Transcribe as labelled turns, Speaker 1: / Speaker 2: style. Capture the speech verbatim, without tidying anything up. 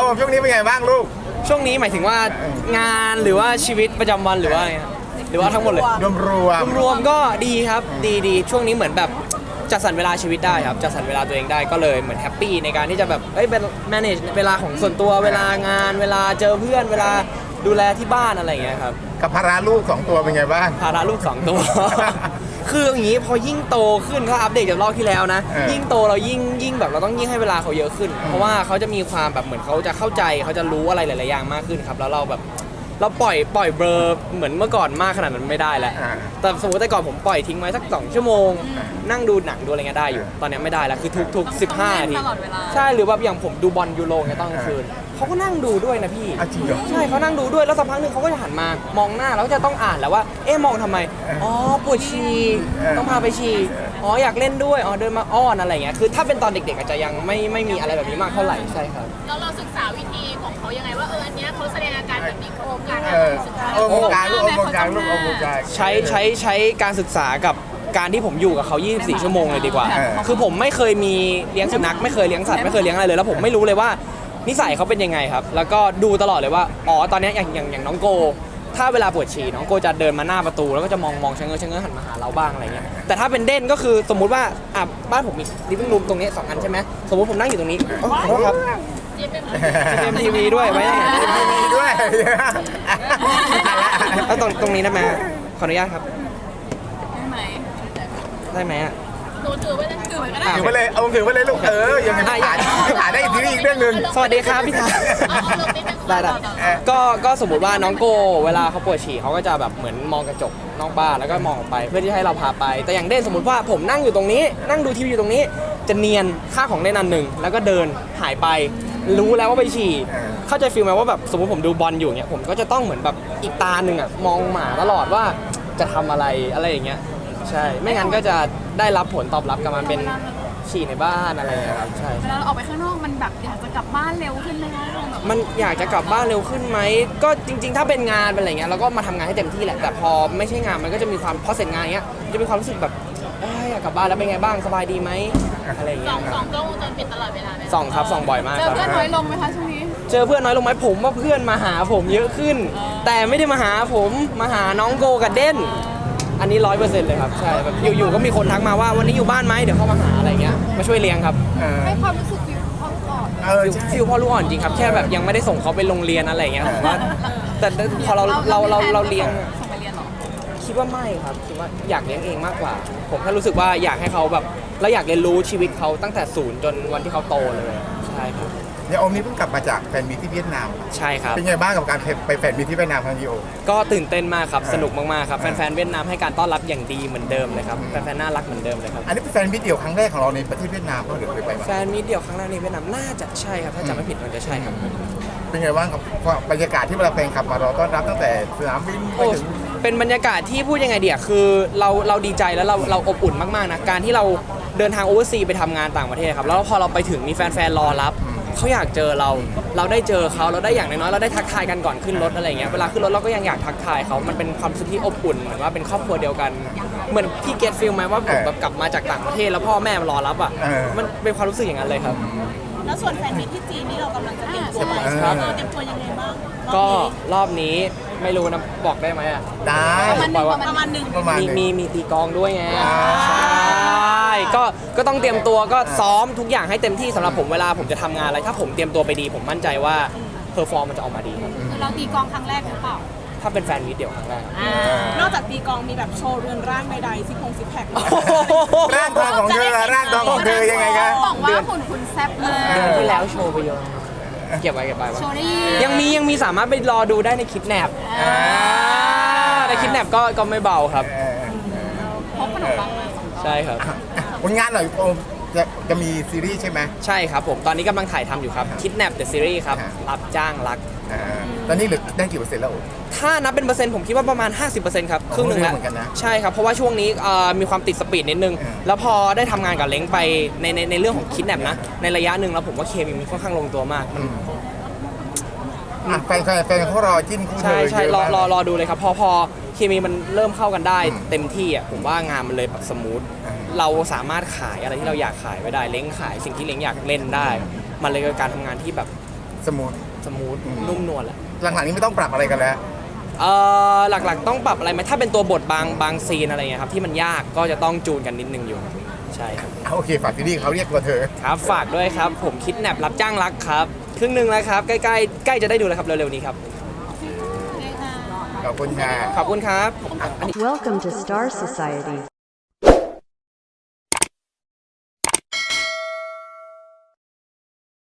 Speaker 1: มช่วงนี้เป็นไงบ้างลูก
Speaker 2: ช่วงนี้หมายถึงว่างานหรือว่าชีวิตประจำวันหรือว่าไงครับหรือว่าทั้งหมดเลย
Speaker 1: รวมรวม
Speaker 2: รวมๆก็ดีครับดีดีช่วงนี้เหมือนแบบจัดสรรเวลาชีวิตได้ครับจัดสรรเวลาตัวเองได้ก็เลยเหมือนแฮปปี้ในการที่จะแบบเอ้ยเป็น manage เวลาของส่วนตัวเวลางานเวลาเจอเพื่อนเวลาดูแลที่บ้านอะไรอย่างเงี้ยครับ
Speaker 1: กับภาระลูกสองตัวเป็นไงบ้าง
Speaker 2: ภาระลูกสองตัว คืออย่างนี้พอยิ่งโตขึ้นถ้าอัปเดตจากรอบที่แล้วนะยิ่งโตเรายิ่งยิ่งแบบเราต้องยิ่งให้เวลาเขาเยอะขึ้นเพราะว่าเขาจะมีความแบบเหมือนเขาจะเข้าใจเขาจะรู้อะไรหลายๆอย่างมากขึ้นครับแล้วเราแบบเราปล่อยปล่อยเบลอเหมือนเมื่อก่อนมากขนาดนั้นไม่ได้แล้วแต่สมมติแต่ก่อนผมปล่อยทิ้งไว้สักสองชั่วโมงนั่งดูหนังดูอะไรเงี้ยได้อยู่ตอนนี้ไม่ได้แล้วคือทุกทุกสิบห้านาทีใช่หรือแบบอย่างผมดูบอลยูโรเงี้ยตอนกลางคืนเขาก็นั่งดูด้วยนะพี่ใช่เขานั่งดูด้วยแล้วสักพักหนึ่งเขาก็จะหันมามองหน้าแล้วก็จะต้องอ่านแล้วว่าเอ๊ะมองทำไมอ๋อปวดฉี่ต้องพาไปฉี่อ๋ออยากเล่นด้วยอ๋อเดินมาอ้อนอะไรเงี้ยคือถ้าเป็นตอนเด็กๆอาจจะยังไม่ไม่มีอะไรแบบนี้มากเท่าไหร่ใช่ครับ
Speaker 3: แล้วเราศึกษาวิธีของเขายังไงว่าเอออันเนี้ยเขาแสดงอาการแบบนี้โครงการ
Speaker 1: เออโอโมการลูกโอโมการลูกโอโมการ
Speaker 2: ใช้ใช้ใช้การศึกษากับการที่ผมอยู่กับเขายี่สิบสี่ชั่วโมงเลยดีกว่าคือผมไม่เคยมีเลี้ยงสุนัขไม่เคยเลี้ยงสัตว์ไม่เคยเลี้ยงอะไรเลยแล้วผมไม่รู้เลยว่านิสัยเขาเป็นยังไงครับแล้วก็ดูตลอดเลยว่าอ๋อตอนนี้อย่างอย่างอย่างน้องโกถ้าเวลาปวดฉี่น้องโกจะเดินมาหน้าประตูแล้วก็จะมองมองชะเง้อชะเง้อหันมาหาเราบ้างอะไรเงี้ยแต่ถ้าเป็นเด่นก็คือสมมุติว่าอ่ะบ้านผมมีลิฟวิ่งรูมตรงนี้สองอันใช่ไหมสมมติผมนั่งอยู่ตรงนี้ขอโทษครับเอ็มทีวีด้วยไว้ยังไง
Speaker 1: เอ็มทีวีด้วย
Speaker 2: แล้วตรงตรงนี้ได้ไหมขออนุญาตครับ
Speaker 3: ได้ไหม
Speaker 2: ได้ไหมอ่ะ
Speaker 3: หนูถือไว้เลยถือไว้ก็ได้
Speaker 1: ถือไปเลยเอาถือไปเลยลูกเออยังไงไม่ถ่ายไม่ถ่ายได้อีกทีอีกเรื่องนึง
Speaker 2: สวัสดีครับพี่ทาได้ได้ก็ก็สมมติว่าน้องโกเวลาเขาปวดฉี่เขาก็จะแบบเหมือนมองกระจกนอกบ้านแล้วก็มองออกไปเพื่อที่ให้เราพาไปแต่อย่างเด่นสมมติว่าผมนั่งอยู่ตรงนี้นั่งดูทีวีอยู่ตรงนี้จะเนียนค่าของเล่นอันหนึ่งแล้วก็เดินหายไปรู้แล้วว่าไปฉี่เข้าใจฟีลไหมว่าแบบสมมติผมดูบอลอยู่เนี้ยผมก็จะต้องเหมือนแบบอีกตาหนึ่งอ่ะมองหมาตลอดว่าจะทำอะไรอะไรอย่างเงี้ยใช่ไม่งั้นก็จะได้รับผลตอบรับกลับมาเป็นฉี่ในบ้านอะไรอย่างเงี้ยครับใช่
Speaker 3: เวลาเราออกไปข้างนอกมันแบบอยากจะกลับบ้านเร็วขึ้นไหมคะ
Speaker 2: มันอยากจะกลับบ้านเร็วขึ้นไหมก็จริงๆถ้าเป็นงานเป็นอะไรเงี้ยเราก็มาทำงานให้เต็มที่แหละแต่พอไม่ใช่งานมันก็จะมีความพอเสร็จงานเงี้ยจะมีความรู้สึกแบบอยากกลับบ้านแล้วเป็นไงบ้างสบายดีไหมอะไรอย่างเงี้ย
Speaker 3: สองสองกล้องวงจรปิดตลอดเวลาไหม
Speaker 2: ส่องครับส่องบ่อยมาก
Speaker 3: เจอเพื่อนน้อยลงไหมคะช่วงนี้
Speaker 2: เจอเพื่อนน้อยลงไหมผมว่าเพื่อนมาหาผมเยอะขึ้นแต่ไม่ได้มาหาผมมาหาน้องโกกับเด่นอันนี้ร้อยเปอร์เซ็นต์เลยครับใช่แบบอยู่ๆก็มีคนทักมาว่าวันนี้อยู่บ้านไหมเดี๋ยวเข้ามาหาอะไรเงี้ยมาช่วยเลี้ยงครับ
Speaker 3: ให้ความรู้สึกฟิลพ่อลูกอ่อน
Speaker 2: ฟิลพ่อลูกอ่อนจริงครับแค่แบบยังไม่ได้ส่งเขาไปโรงเรียนอะไรเงี้ยผมว่าแต่พอเราเราเราเราเลี้ยง
Speaker 3: ส่งไปเรียนหรอ
Speaker 2: คิดว่าไม่ครับคิดว่าอยากเลี้ยงเองมากกว่าผมแค่รู้สึกว่าอยากให้เขาแบบแล้วอยากเรียนรู้ชีวิตเขาตั้งแต่ศูนย์จนวันที่เขาโตเลยใช่ครับ
Speaker 1: เดี๋ยวอมนี้เพิ่งกลับมาจากแฟนมีตที่เวียดนาม
Speaker 2: ใช่ครับ
Speaker 1: เป็นไงบ้างกับการไปแฟนมีตที่เวียดนามครั้งนี้โอ
Speaker 2: ก็ตื่นเต้นมากครับสนุกมากๆครับแฟนๆเวียดนามให้การต้อนรับอย่างดีเหมือนเดิมเลยครับแฟนๆน่ารักเหมือนเดิมเลยครับ
Speaker 1: อันนี้เป็นแฟนมีตเดี่ยวครั้งแรกของเราในประเทศเวียดนามเพราะเดี๋ยวเคยไปมา
Speaker 2: แฟนมีตเดี่ยวครั้งแรกในเวียดนามน่าจะใช่ครับถ้าจำไม่ผิดมันจะใช่ครับ
Speaker 1: เป็นไงบ้างกับบรรยากาศที่เวลาแฟนคลับมารอต้อนรับตั้งแต่สนามบินไปถึง
Speaker 2: เป็นบรรยากาศที่พูดยังไงเดียคือเราเราดีใจแล้วเราเราอบอุ่นมากๆนะการที่เราเดินทางโอเวอร์ซีไปทำงานต่างประเทศครับแล้วพอเราไปถึงมีแฟนๆรอรับเขาอยากเจอเราเราได้เจอเขาเราได้อย่างน้อยๆเราได้ทักทายกันก่อนขึ้นรถอะไรเงี้ยเวลาขึ้นรถเราก็ยังอยากทักทายเขามันเป็นความรู้สึกที่อบอุ่นเหมือนว่าเป็นครอบครัวเดียวกันเหมือนพี่เกตฟิลไหมว่าผมแบบกลับมาจากต่างประเทศแล้วพ่อแม่มารอรับอ่ะมันเป็นความรู้สึกอย่างนั้นเลยครับ
Speaker 3: แล้วส่วนแฟนมีตที่จีนนี่เรากำลังจะเตรียมตัวเราเตรียมตัวยังไงบ้าง
Speaker 2: ก็รอบนี้ไม่รู้นะบอกได้ไหมอ่ะ
Speaker 1: ได้
Speaker 3: ประมาณหนึ่ง
Speaker 2: ประมาณหนึ่งมีมีมีตีกองด้วยไงใช่ก็ก็ต้องเตรียมตัวก็ซ้อมทุกอย่างให้เต็มที่สำหรับผมเวลาผมจะทำงานอะไรถ้าผมเตรียมตัวไปดีผมมั่นใจว่าเพอร์ฟอร์มมันจะออกมาดีครับ
Speaker 3: เราตีกองครั้งแรกหรือเปล่า
Speaker 2: ถ้าเป็นแฟนมีเดี่ยวครั้งแรก
Speaker 3: นอกจากตีกองมีแบบโชว์เรือนร่างใดๆซิกพงซิกแพค
Speaker 1: ร่างทองของเธอร่างทองของเธอยังไงกัน
Speaker 3: บอกว่าหุ่นคุณแซ่บเลย
Speaker 2: เดือนที่แล้วโชว์ไปเยอะเก็บไว้เก็บไว้ยังมียังมีสามารถไปรอดูได้ในคิดแนบในคิดแนบก็ก็ไม่เบาครับ
Speaker 3: พบขนมปังมา
Speaker 2: ใช่ครับ
Speaker 1: ผลงานหน่อยโอมจะจะมีซีรีส์ใช่ไหม
Speaker 2: ใช่ครับผมตอนนี้กำลังถ่ายทำอยู่ครับคิดแนบเดอะซีรีส์ครับรับจ้างรัก
Speaker 1: ตอนนี้เหลือได้กี่เปอร์เซ็นต์แล้ว
Speaker 2: ถ้านับเป็นเปอร์เซ็นต์ผมคิดว่าประมาณ ห้าสิบเปอร์เซ็นต์ ครับครึ่งหนึ่งแล้วใช่ครับเพราะว่าช่วงนี้มีความติดสปีดนิดนึงแล้วพอได้ทำงานกับเล้งไปในในในเรื่องของคิดแนบนะในระยะหนึ่งแล้วผมว่าเคมีมันค่อนข้างลงตัวมาก
Speaker 1: แฟนแฟนเขารอจิ้นคู่
Speaker 2: ใช่ใช่รอรอรอดูเลยครับพอพอเคมีมันเริ่มเข้ากันได้เต็มที่อ่ะผมว่างานมันเลยแบบสมูทเราสามารถขายอะไรที่เราอยากขายไว้ได้เล้งขายสิ่งที่เล้งอยากเล่นได้มันเลยเป็นการทำงานที่แบบ
Speaker 1: สมูท
Speaker 2: สมูทนุ่มนวลแหละ
Speaker 1: หลังๆนี้ไม่ต้องปรับอะไรกันแล้ว
Speaker 2: เอ่อหลักๆต้องปรับอะไรไหมถ้าเป็นตัวบทบางบางซีนอะไรเงี้ยครับที่มันยากก็จะต้องจูนกันนิดนึงอยู่ใช่ครับ
Speaker 1: โอเคฝากที่นี่เขาเรียกตัวเธอ
Speaker 2: ครับฝากด้วยครับผมคิดแนบรับจ้างรักครับครึ่งหนึ่งแล้วครับใกล้ๆใกล้จะได้ดูแล้วครับเร็วๆนี้ครับ
Speaker 1: ขอบคุณค่ะ
Speaker 2: ขอบคุณครับ
Speaker 4: Welcome to Star Society.